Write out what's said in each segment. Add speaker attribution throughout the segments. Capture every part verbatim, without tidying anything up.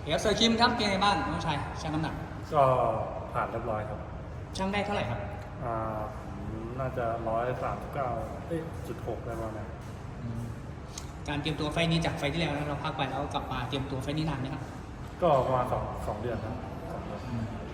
Speaker 1: เดี๋ยวเซอร์คิมครับเป็นไงบ้างน้องชายชั่งน้ำหนัก
Speaker 2: ก็ผ่านเรียบร้อยครับ
Speaker 1: ชั่งได้เท่าไหร่ครับ
Speaker 2: อ่าน่าจะร้อยสามสิบเก้าเอ้ยจุดหกอะไรประมาณนั้น
Speaker 1: การเตรียมตัวไฟนี้จากไฟที่แล้วเราพักไปแล้วกลับมาเตรียมตัวไฟนี้นานไหมครับ
Speaker 2: ก็ประมาณสองสองเดือนครับสองเดือน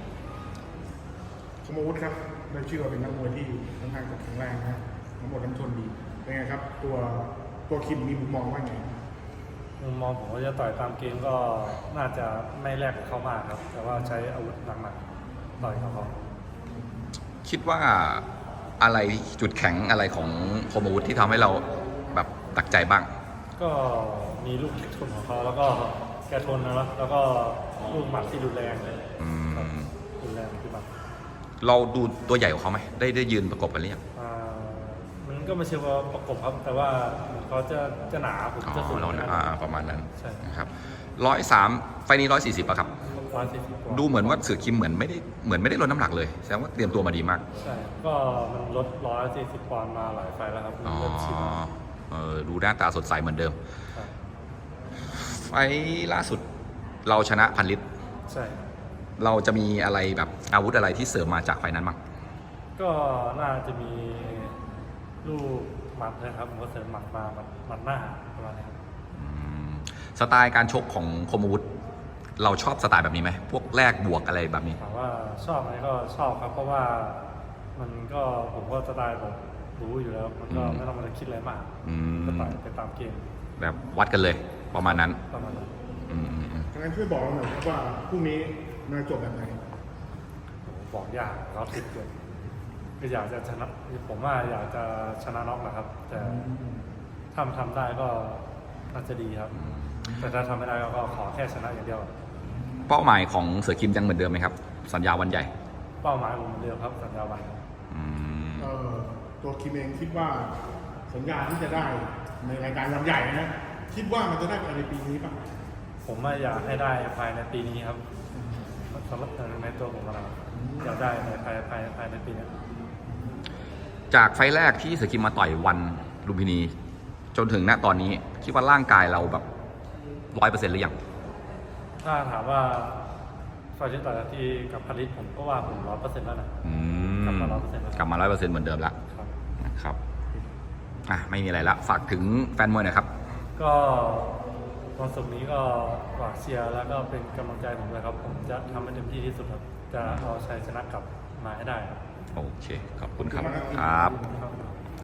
Speaker 3: สมมุติครับได้ชื่อว่าเป็นนักมวยที่ค่อนข้างจะแข็งแรงนะทั้งหมดทั้งทนดีเป็นไงครับตัวตัวคิมมีมุมมองว่าไง
Speaker 2: มุมมองผมว่าจะต่อยตามเกมก็น่าจะไม่แลกกับเขามากครับแต่ว่าใช้อาวุธหนักๆต่อยเขาเขา
Speaker 4: คิดว่าอะไรจุดแข็งอะไรของคมอาวุธที่ทำให้เราแบบตักใจบ้าง
Speaker 2: ก็มีลูกเล็กทนของเขาแล้วก็แกทนนะแล้วก็ลูกหมัดที่รุนแรงเลยรุนแรงที่แบบ
Speaker 4: เราดูตัวใหญ่กว่าเขาไหมได้ได้ยืนประกบกันหรือยัง
Speaker 2: มันก็ไม่ใช่ว่าประกบครับแต่ว่าเขาจะจะหนาผมจะสูง
Speaker 4: ประมาณนั้น
Speaker 2: ใช่
Speaker 4: ครับร้อยสามไฟนี้ร้อยสี่สิบอะครับดูเหมือนว่าเสือคิมเหมือนไม่ได้เหมือนไม่ได้ลดน้ำหนักเลยแสดงว่าเตรียมตัวมาดีมาก
Speaker 2: ใช่ก็มันลดร้อยสี่สิบปอนด์มาหลายไฟแล้วครับ
Speaker 4: อ๋อเออดูหน้าตาสดใสเหมือนเดิมไฟล่าสุดเราชนะพันลิตร
Speaker 2: ใช่
Speaker 4: เราจะมีอะไรแบบอาวุธอะไรที่เสริมมาจากไฟนั้นบ้าง
Speaker 2: ก็น่าจะมีลูกหมัดนะครับผมก็เสริมหมัดมาหมัดหน้าประมาณนี้
Speaker 4: สไตล์การชกของคมอาวุธเราชอบสไตล์แบบนี้ไหมพวกแลกบวกอะไรแบบนี้
Speaker 2: ถามว่าชอบไหมก็ชอบครับเพราะว่ามันก็ผมก็สไตล์ผมรู้อยู่แล้วมันก็ไม่ต้องมาคิดอะไรมากก็ต่อยไปตามเกม
Speaker 4: แบบวัดกันเลยประมาณนั้น
Speaker 2: ประมาณนั้น
Speaker 3: งั้นช่วยบอกเราหน่อยว่าพรุ่งนี้น่าจบแบบไหน
Speaker 2: บอกยากเราติดเกินก็อยากจะชนะผมว่าอยากจะชนะน็อกนะครับแต่ถ้าทำได้ก็น่าจะดีครับแต่ถ้าทำไม่ได้ก็ขอแค่ชนะอย่างเดียว
Speaker 4: เป้าหมายของเสือคิมยังเหมือนเดิมไหมครับสัญญาวันใหญ่
Speaker 2: เป้าหมายผมเหมือนเดิมครับสัญญาวัน
Speaker 3: ตัวคิมเองคิดว่าสัญญาที่จะได้ในรายการวันใหญ่นะคิดว่ามันจะได้ภายในปีนี้ป่ะ
Speaker 2: ผมว่าอยากให้ได้ภายในปีนี้ครับสำหรับในตัวผมเราอยากได้ในภายภายภายในปีนี้
Speaker 4: จากไฟแรกที่เสือคิมมาต่อยวันลุมพินีจนถึงณตอนนี้คิดว่าร่างกายเราแบบร้อยเปอร์เซ็นต์หรือยัง
Speaker 2: ถ้าถามว่าไฟที่ต่อยที่กับพันลิตผมก็ว่าผมร้อยเปอร์เซ็นต์แล้วนะกลับมาร้อยเปอร์เซ็นต์
Speaker 4: กลับมาร้อยเปอร์เซ็นต์เหมือนเดิมแล้วนะครับอ่ะไม่มีอะไรละฝากถึงแฟนมวยหน่อยครับ
Speaker 2: ก็วันศุกร์นี้ก็ฝากเชียร์แล้วก็เป็นกำลังใจผมเลยครับผมจะทำให้เต็มที่ที่สุดครับจะเอาชัยชนะกลับมาให้ได้ครับ
Speaker 4: โอเคขอบคุณครับครับ